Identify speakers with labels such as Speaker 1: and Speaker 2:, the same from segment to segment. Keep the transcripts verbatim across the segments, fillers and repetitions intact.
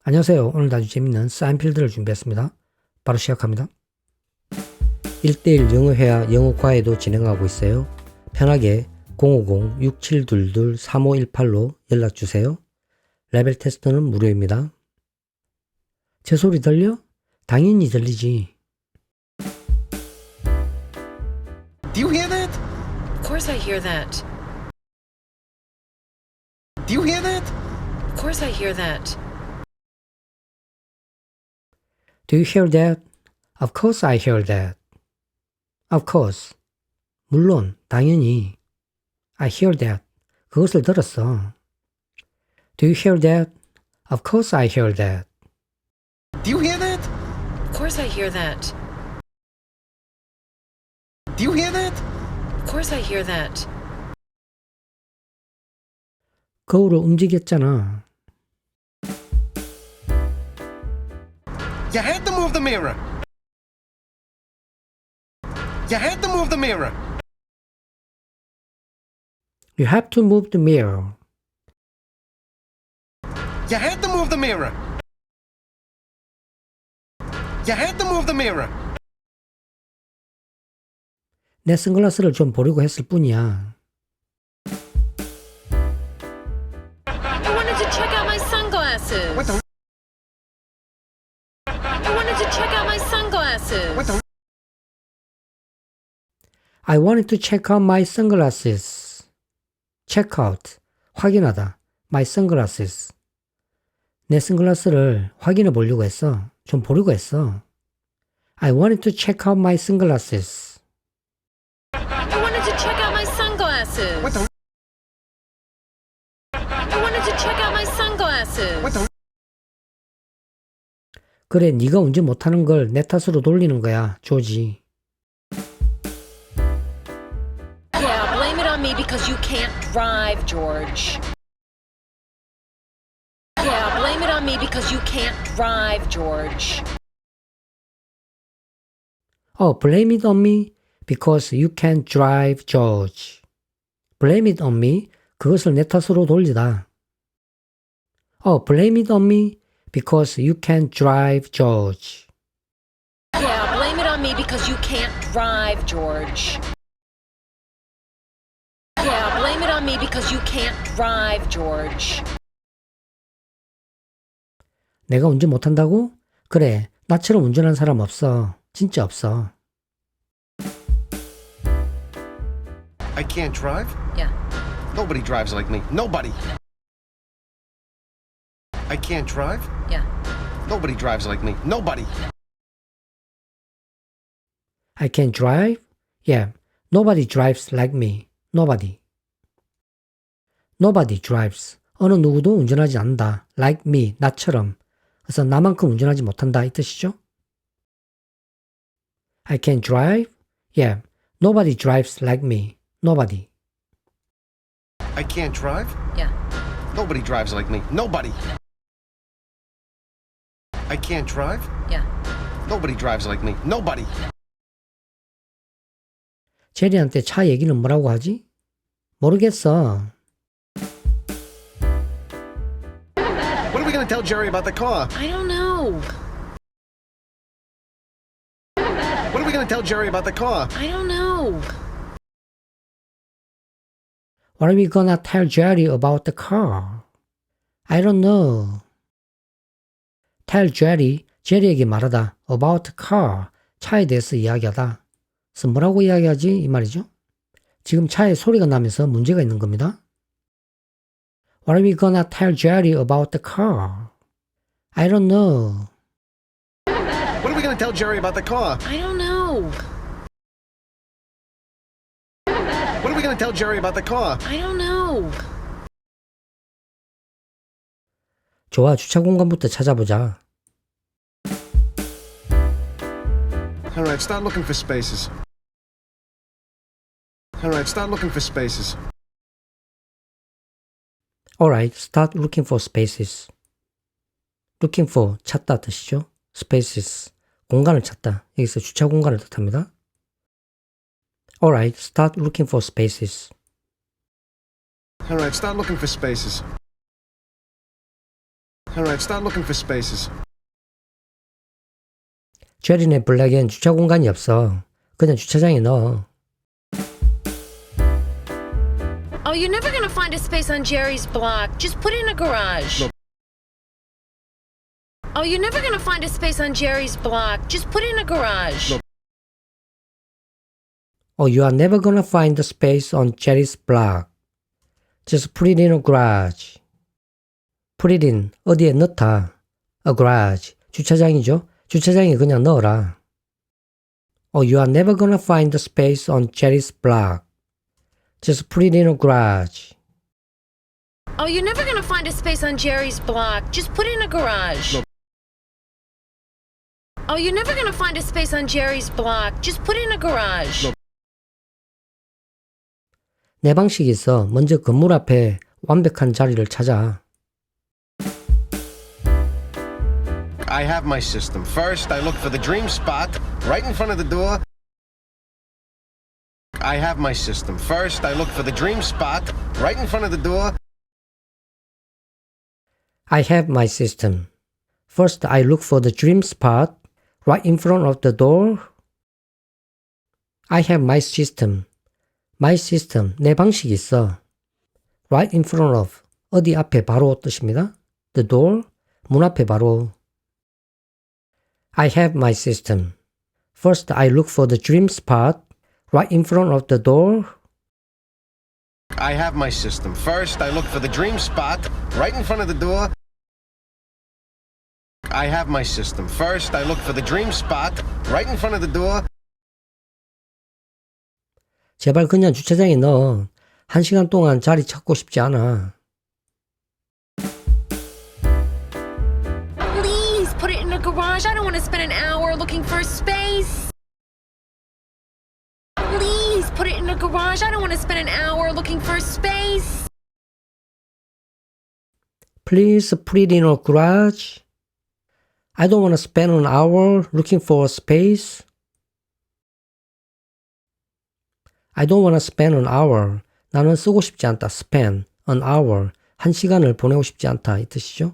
Speaker 1: 안녕하세요. 오늘도 아주 재밌는 사인필드를 준비했습니다. 바로 시작합니다. 일 대일 영어회화 영어과외도 진행하고 있어요. 편하게 공오공 육칠이이 삼오일팔로 연락주세요. 레벨 테스트는 무료입니다. 제 소리 들려? 당연히 들리지.
Speaker 2: Do you hear that?
Speaker 3: Of course I hear that.
Speaker 2: Do you hear that?
Speaker 3: Of course I hear that.
Speaker 1: Do you hear that? Of course I hear that. Of course. 물론, 당연히. I hear that. 그것을 들었어. Do you hear that? Of course I hear that.
Speaker 2: Do you hear that?
Speaker 3: Of course I hear that.
Speaker 2: Do you hear that?
Speaker 3: Of course I hear that.
Speaker 1: 거울을 움직였잖아.
Speaker 2: You had to move the mirror. You had to move the mirror.
Speaker 1: You have to move the mirror.
Speaker 2: You had to move the mirror. You had to move the mirror.
Speaker 1: 내 선글라스를 좀 보려고 했을 뿐이야.
Speaker 3: I wanted to check out my sunglasses.
Speaker 2: What the?
Speaker 3: I wanted to check out my sunglasses.
Speaker 2: What the?
Speaker 1: I wanted to check out my sunglasses. Check out. 확인하다. My sunglasses. 내 선글라스를 확인해 보려고 했어. 좀 보려고 했어. I wanted to check out my sunglasses.
Speaker 3: I wanted to check out my sunglasses.
Speaker 2: What the?
Speaker 3: I wanted to check out my sunglasses.
Speaker 2: What the?
Speaker 1: 그래, 네가 운전 못하는 걸 내 탓으로 돌리는 거야, 조지.
Speaker 3: Yeah, blame it on me because you can't drive, George. Yeah, blame it on me because you can't drive, George.
Speaker 1: 어, blame it on me because you can't drive, George. Blame it on me. 그것을 내 탓으로 돌리다. 어, blame it on me because you can't drive, George.
Speaker 3: Yeah, blame it on me because you can't drive, George. Yeah, blame it on me because you can't drive, George.
Speaker 1: 내가 운전 못한다고? 그래, 나처럼 운전한 사람 없어. 진짜 없어.
Speaker 2: I can't drive?
Speaker 3: Yeah.
Speaker 2: Nobody drives like me. Nobody. I can't drive?
Speaker 3: Yeah.
Speaker 2: Nobody drives like me. Nobody.
Speaker 1: I can drive? Yeah, nobody drives like me. Nobody. Nobody drives. 어느 누구도 운전하지 않는다. Like me, 나처럼. 그래서 나만큼 운전하지 못한다 이 뜻이죠. I can drive? Yeah, nobody drives like me. Nobody.
Speaker 2: I can't drive?
Speaker 3: Yeah.
Speaker 2: Nobody drives like me. Nobody. I can't drive?
Speaker 3: Yeah.
Speaker 2: Nobody drives like me. Nobody.
Speaker 1: 제리한테 차 얘기는 뭐라고 하지? 모르겠어.
Speaker 2: What are we going to tell Jerry about the car?
Speaker 3: I don't know.
Speaker 2: What are we going to tell Jerry about the car?
Speaker 3: I don't know.
Speaker 1: What are we gonna tell Jerry about the car? I don't know. Tell Jerry, 제리에게 말하다. About the car, 차에 대해서 이야기하다. 그래서 뭐라고 이야기하지? 이 말이죠. 지금 차에 소리가 나면서 문제가 있는 겁니다. What are we gonna tell Jerry about the car? I don't know.
Speaker 2: What are we going to tell Jerry about the car?
Speaker 3: I don't know.
Speaker 2: What are we going to tell Jerry about the car?
Speaker 3: I don't know.
Speaker 1: 좋아, 주차 공간부터 찾아보자.
Speaker 2: All right, start looking for spaces. All right, start looking for spaces.
Speaker 1: Alright, start looking for spaces. Looking for, 찾다 뜻이죠. Spaces, 공간을 찾다. 여기서 주차 공간을 뜻합니다. Alright, start looking for spaces.
Speaker 2: All right, start looking for spaces. All right, start looking for spaces.
Speaker 1: 제리네 블랙엔 주차 공간이 없어. 그냥 주차장에 넣어.
Speaker 3: Oh, you're never gonna find a space on Jerry's block. Just put it in a garage.
Speaker 2: Look.
Speaker 3: Oh, you're never gonna find a space on Jerry's block. Just put it in a garage.
Speaker 2: Look.
Speaker 1: Oh, you are never gonna find the space on Jerry's block. Just put it in a garage. Put it in, 어디에 넣다. A garage, 주차장이죠. 주차장에 그냥 넣어라. Oh, you are never gonna find the space on Jerry's block. Just put it in a garage.
Speaker 3: Oh, you're never gonna find a space on Jerry's block. Just put it in a garage.
Speaker 2: Look.
Speaker 3: Oh, you're never gonna find a space on Jerry's block. Just put it in a garage.
Speaker 2: Look.
Speaker 1: 내 방식이 있어. 먼저 건물 앞에 완벽한 자리를 찾아.
Speaker 2: I have my system. First, I look for the dream spot right in front of the door. I have my system. First, I look for the dream spot right in front of the door.
Speaker 1: I have my system. First, I look for the dream spot right in front of the door. I have my system. My system, 내 방식이 있어. Right in front of, 어디 앞에 바로 뜻입니다. The door, 문 앞에 바로. I have my system. First, I look for the dream spot right in front of the door.
Speaker 2: I have my system. First, I look for the dream spot right in front of the door. I have my system. First, I look for the dream spot right in front of the door.
Speaker 1: 제발 그냥 주차장에 넣어. 한 시간 동안 자리 찾고 싶지 않아.
Speaker 3: Please put it in a garage. I don't want to spend an hour looking for a space. Please put it in a garage. I don't want to spend an hour looking for a space.
Speaker 1: Please put it in a garage. I don't want to spend an hour looking for a space. I don't want to spend an hour. 나는 쓰고 싶지 않다. spend an hour. 한 시간을 보내고 싶지 않다. 이 뜻이죠.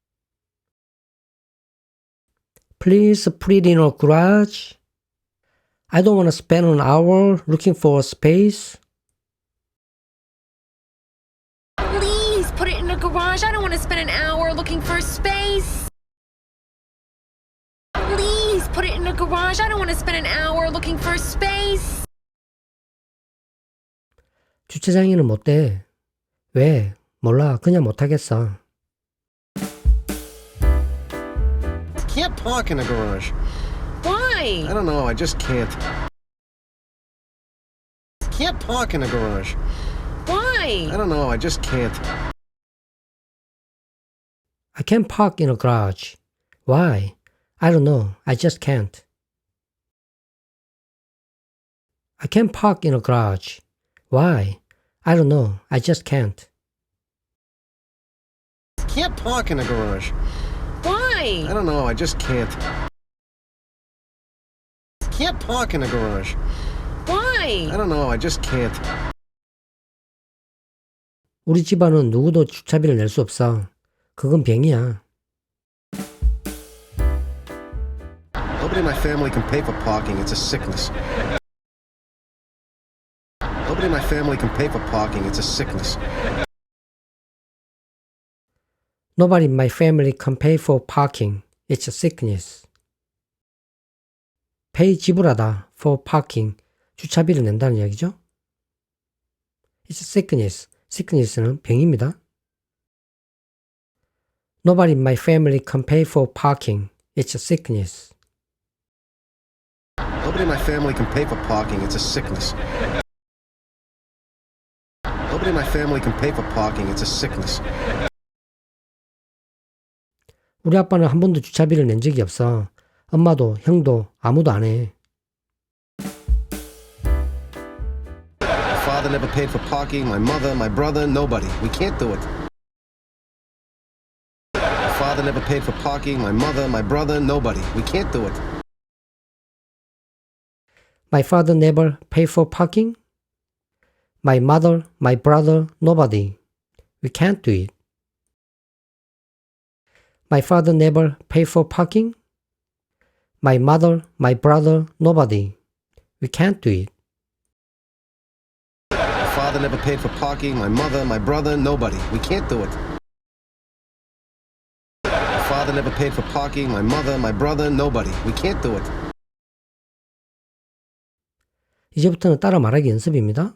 Speaker 1: Please put it in a garage. I don't want to spend an hour looking for a space.
Speaker 3: Please put it in a garage. I don't want to spend an hour looking for a space. Please put it in a garage. I don't want to spend an hour looking for a space.
Speaker 1: 주차장에는 못 돼. 왜? 몰라. 그냥 못 하겠어.
Speaker 2: Can't park in a garage.
Speaker 3: Why?
Speaker 2: I don't know. I just can't. Can't park in a garage.
Speaker 3: Why?
Speaker 2: I don't know. I just can't.
Speaker 1: I can't park in a garage. Why? I don't know. I just can't. I can't park in a garage. Why? I don't know. I just can't.
Speaker 2: Can't park in a garage.
Speaker 3: Why?
Speaker 2: I don't know. I just can't. Can't park in a garage.
Speaker 3: Why?
Speaker 2: I don't know. I just can't.
Speaker 1: 우리 집안은 누구도 주차비를 낼 수 없어. 그건 병이야.
Speaker 2: Nobody in my family can pay for parking. It's a sickness. Nobody in my family can pay for parking. It's a sickness.
Speaker 1: Nobody in my family can pay for parking. It's a sickness. pay 지불하다 for parking. 주차비를 낸다는 이야기죠. It's a sickness. sickness는 병입니다. Nobody in my family can pay for parking. It's a sickness.
Speaker 2: Nobody in my family can pay for parking. It's a sickness. Nobody in my family can pay for parking. It's a sickness.
Speaker 1: 우리 아빠는 한 번도 주차비를 낸 적이 없어. 엄마도 형도 아무도 안 해.
Speaker 2: My father never paid for parking. My mother, my brother, nobody. We can't do it. My father never paid for parking. My mother, my brother, nobody. We can't do it.
Speaker 1: My father never paid for parking. My mother, my brother, nobody. We can't do it. My father never pay for parking. My mother, my brother, nobody. We can't do it.
Speaker 2: My father never paid for parking. My mother, my brother, nobody. We can't do it. My father never paid for parking. My mother, my brother, nobody. We can't do it.
Speaker 1: 이제부터는 따라 말하기 연습입니다.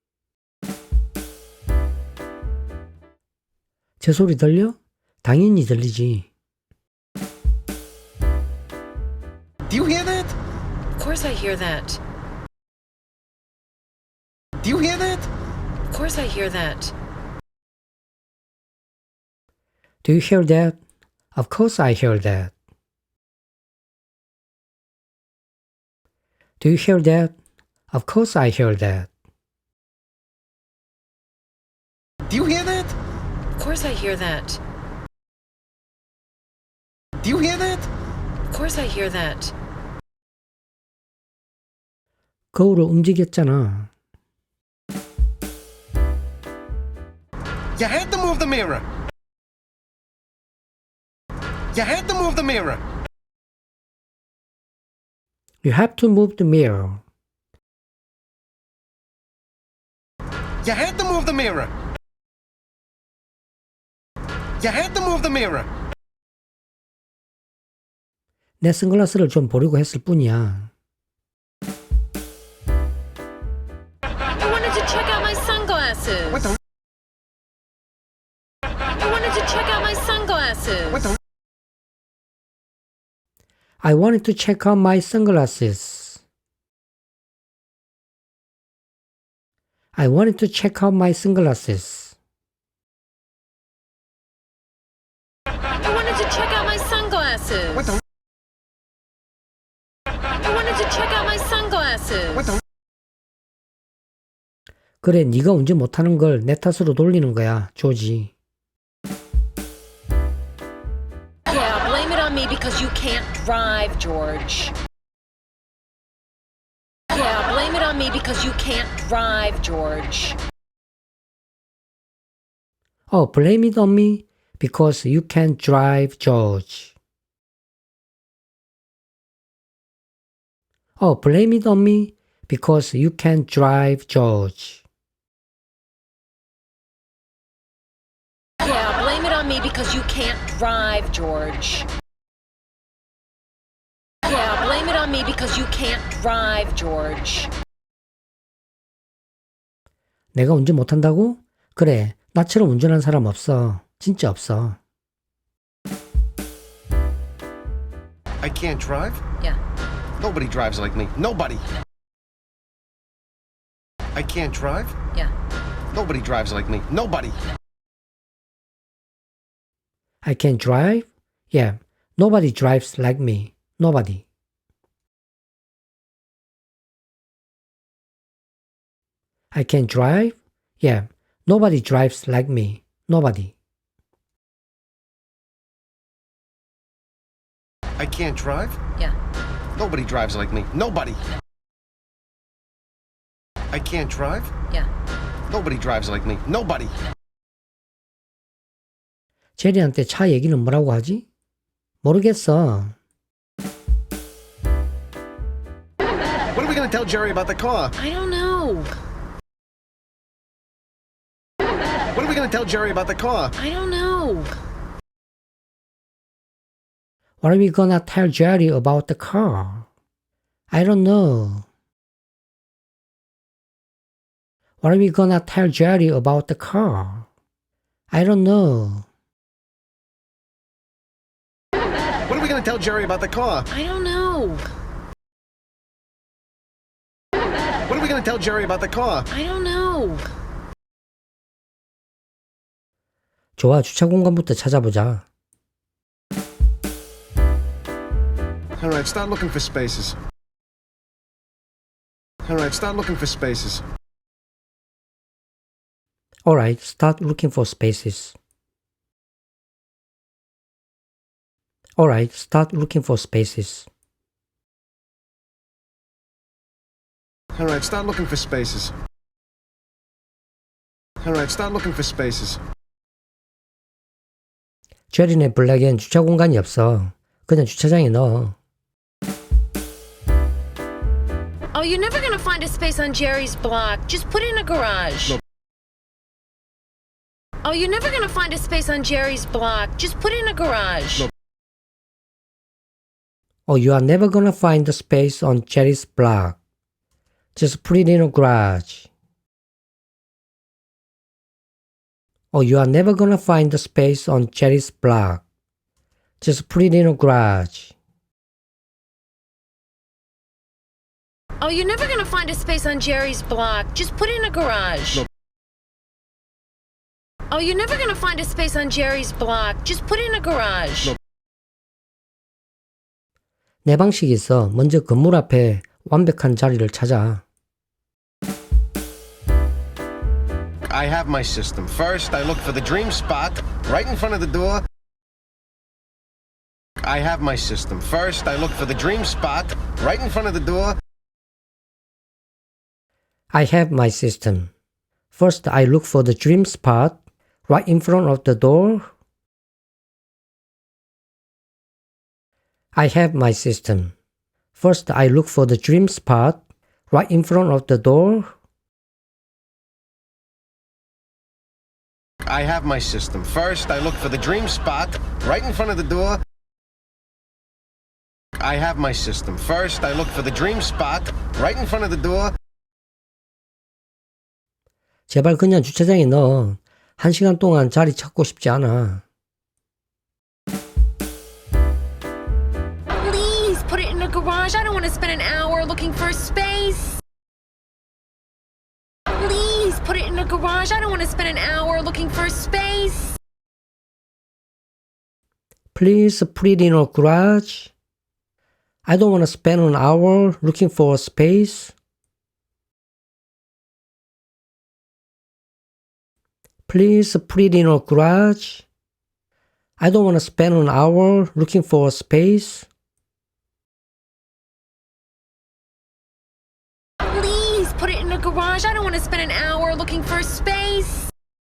Speaker 1: 제 소리 들려? 당연히 들리지.
Speaker 2: Do you hear that?
Speaker 3: Of course I hear that.
Speaker 2: Do you hear that?
Speaker 3: Of course I hear that.
Speaker 1: Do you hear that? Of course I hear that. Do you hear that? Of course I hear that.
Speaker 2: Do you hear that?
Speaker 3: Of course I hear that.
Speaker 2: Do you hear that?
Speaker 3: Of course I hear that.
Speaker 1: 거울을 움직였잖아.
Speaker 2: You had to move the mirror. You had to move the mirror.
Speaker 1: You have to move the mirror.
Speaker 2: You had to move the mirror. You had to move the mirror.
Speaker 1: 내 선글라스를 좀 보려고 했을 뿐이야.
Speaker 3: I wanted to check out my sunglasses.
Speaker 2: What the?
Speaker 3: I wanted to check out my sunglasses.
Speaker 2: What the?
Speaker 1: I wanted to check out my sunglasses. I wanted to check out my sunglasses.
Speaker 3: I wanted to check out my sunglasses.
Speaker 2: What the?
Speaker 3: I wanted to check out my sunglasses.
Speaker 2: What the?
Speaker 1: 그래, 네가 운전 못하는 걸 내 탓으로 돌리는 거야, 조지.
Speaker 3: Yeah, blame it on me because you can't drive, George. Yeah, blame it on me because you can't drive, George.
Speaker 1: Oh, blame it on me because you can't drive, George. Oh, blame it on me because you can't drive, George.
Speaker 3: Yeah, blame it on me because you can't drive, George. Yeah, blame it on me because you can't drive, George.
Speaker 1: 내가 운전 못한다고? 그래, 나처럼 운전한 사람 없어. 진짜 없어.
Speaker 2: I can't drive?
Speaker 3: Yeah.
Speaker 2: Nobody drives like me. Nobody. I can't drive?
Speaker 3: Yeah.
Speaker 2: Nobody drives like me. Nobody.
Speaker 1: I can drive? Yeah, nobody drives like me. Nobody. I can drive? Yeah, nobody drives like me. Nobody.
Speaker 2: I can't drive?
Speaker 3: Yeah.
Speaker 2: Nobody drives like me. Nobody. I can't drive?
Speaker 3: Yeah.
Speaker 2: Nobody drives like me. Nobody.
Speaker 1: 제리한테 차 얘기는 뭐라고 하지? 모르겠어.
Speaker 2: What are we going to tell Jerry about the car?
Speaker 3: I don't know.
Speaker 2: What are we going to tell Jerry about the car?
Speaker 3: I don't know.
Speaker 1: What are we gonna tell Jerry about the car? I don't know. What are we gonna tell Jerry about the car? I don't know.
Speaker 2: What are we going to tell Jerry about the car?
Speaker 3: I don't know.
Speaker 2: What are we going to tell Jerry about the car?
Speaker 3: I don't know.
Speaker 1: 좋아, 주차 공간부터 찾아보자.
Speaker 2: All right, start looking for spaces. All right, start looking for spaces.
Speaker 1: Alright, start looking for spaces. Alright, start looking for spaces.
Speaker 2: All right, start looking for spaces. All right, start looking for spaces.
Speaker 1: 제리네 블랙엔 주차 공간이 없어. 그냥 주차장에 넣어.
Speaker 3: Oh, you're never gonna find a space on Jerry's block. Just put it in a garage.
Speaker 2: Look.
Speaker 3: Oh, you're never gonna find a space on Jerry's block. Just put it in a garage.
Speaker 2: Look.
Speaker 1: Oh, you are never gonna find the space on Jerry's block. Just put it in a garage. Oh, you are never gonna find the space on Jerry's block. Just put it in a garage.
Speaker 3: Oh, you're never gonna find a space on Jerry's block. Just put it in a garage.
Speaker 2: Look.
Speaker 3: Oh, you're never gonna find a space on Jerry's block. Just put it in a garage.
Speaker 2: Look.
Speaker 1: 내 방식이 있어. 먼저 건물 앞에 완벽한 자리를 찾아.
Speaker 2: I have my system. First, I look for the dream spot right in front of the door. I have my system. First, I look for the dream spot right in front of the door.
Speaker 1: I have my system. First, I look for the dream spot right in front of the door. I have my system. First, I look for the dream spot right in front of the door.
Speaker 2: I have my system. First, I look for the dream spot right in front of the door. I have my system. First, I look for the dream spot right in front of the door.
Speaker 1: 제발 그냥 주차장에 넣어. 한 시간 동안 자리 찾고 싶지 않아.
Speaker 3: Please put it in a garage. I don't want to spend an hour looking for a space. Please put it in a garage. I don't want to spend an hour looking for a space.
Speaker 1: Please put it in a garage. I don't want to spend an hour looking for a space. Please put it in a garage. I don't want to spend an hour looking for a space.
Speaker 3: Please put it in a garage. I don't want to spend an hour looking for a space.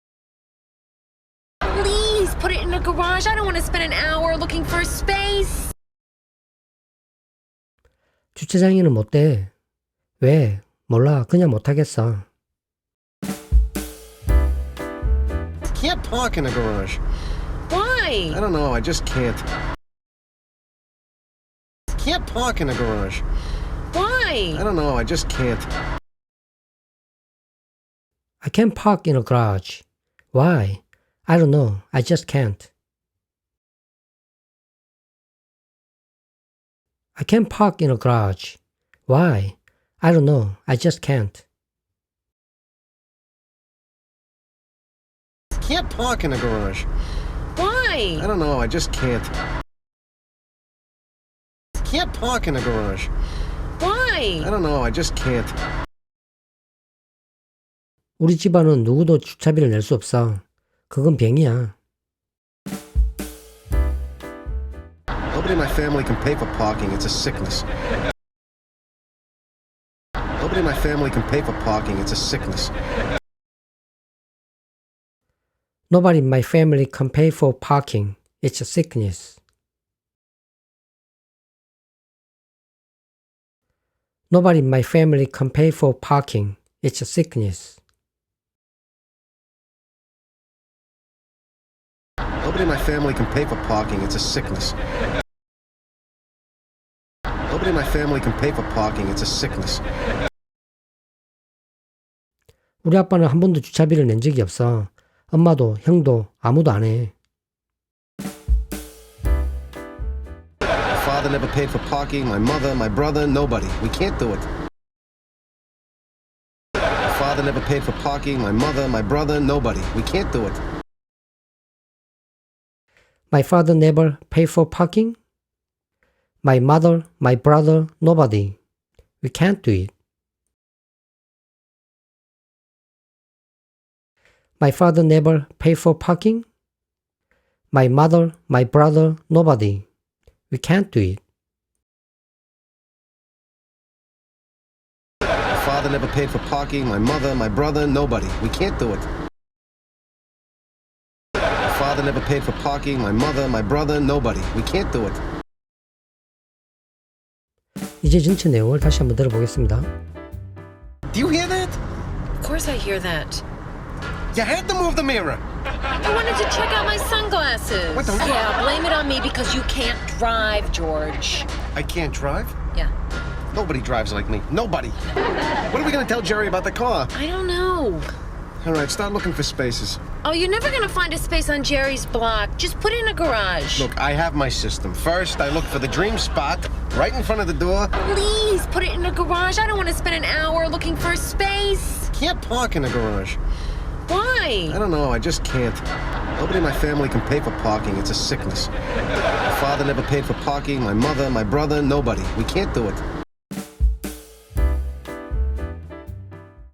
Speaker 3: Please put it in a garage. I don't want to spend an hour looking for a space.
Speaker 1: 주차장에는 못 돼. 왜? 몰라. 그냥 못 하겠어.
Speaker 2: Can't park in a garage.
Speaker 3: Why?
Speaker 2: I don't know. I just can't. Can't park in a garage.
Speaker 3: Why?
Speaker 2: I don't know. I just can't.
Speaker 1: I can't park in a garage. Why? I don't know. I just can't. I can't park in a garage. Why? I don't know. I just can't.
Speaker 2: Can't park in a garage.
Speaker 3: Why?
Speaker 2: I don't know. I just can't. Can't park in a garage.
Speaker 3: Why?
Speaker 2: I don't know. I just can't.
Speaker 1: 우리 집안은 누구도 주차비를 낼 수 없어. 그건 병이야.
Speaker 2: Nobody in my family can pay for parking. It's a sickness. Nobody in my family can pay for parking. It's a sickness.
Speaker 1: Nobody in my family can pay for parking. It's a sickness. Nobody in my family can pay for parking. It's a sickness.
Speaker 2: Nobody in my family can pay for parking. It's a sickness. Nobody in my family can pay for parking. It's a sickness.
Speaker 1: 우리 아빠는 한 번도 주차비를 낸 적이 없어. 엄마도 형도 아무도 안 해.
Speaker 2: My father never paid for parking. My mother, my brother, nobody. We can't do it. My father never paid for parking. My mother, my brother, nobody. We can't do it.
Speaker 1: My father never paid for parking. My mother, my brother, nobody. We can't do it. My father never paid for parking. My mother, my brother, nobody. We can't do it.
Speaker 2: My father never paid for parking. My mother, my brother, nobody. We can't do it. My father never paid for parking, my mother, my brother, nobody. We can't do it.
Speaker 1: 이제 전체 내용을 다시 한번 들어보겠습니다.
Speaker 2: Do you hear that?
Speaker 3: Of course I hear that.
Speaker 2: You had to move the mirror.
Speaker 3: I wanted to check out my sunglasses.
Speaker 2: What the-
Speaker 3: Yeah, blame it on me because you can't drive, George.
Speaker 2: I can't drive?
Speaker 3: Yeah.
Speaker 2: Nobody drives like me. Nobody. What are we gonna tell Jerry about the car?
Speaker 3: I don't know.
Speaker 2: All right, start looking for spaces.
Speaker 3: Oh, you're never gonna find a space on Jerry's block. Just put it in a garage.
Speaker 2: Look, I have my system. First, I look for the dream spot right in front of the door.
Speaker 3: Please put it in a garage. I don't want to spend an hour looking for a space.
Speaker 2: Can't park in a garage.
Speaker 3: Why?
Speaker 2: I don't know, I just can't. Nobody in my family can pay for parking. It's a sickness. My father never paid for parking, my mother, my brother, nobody. We can't do it.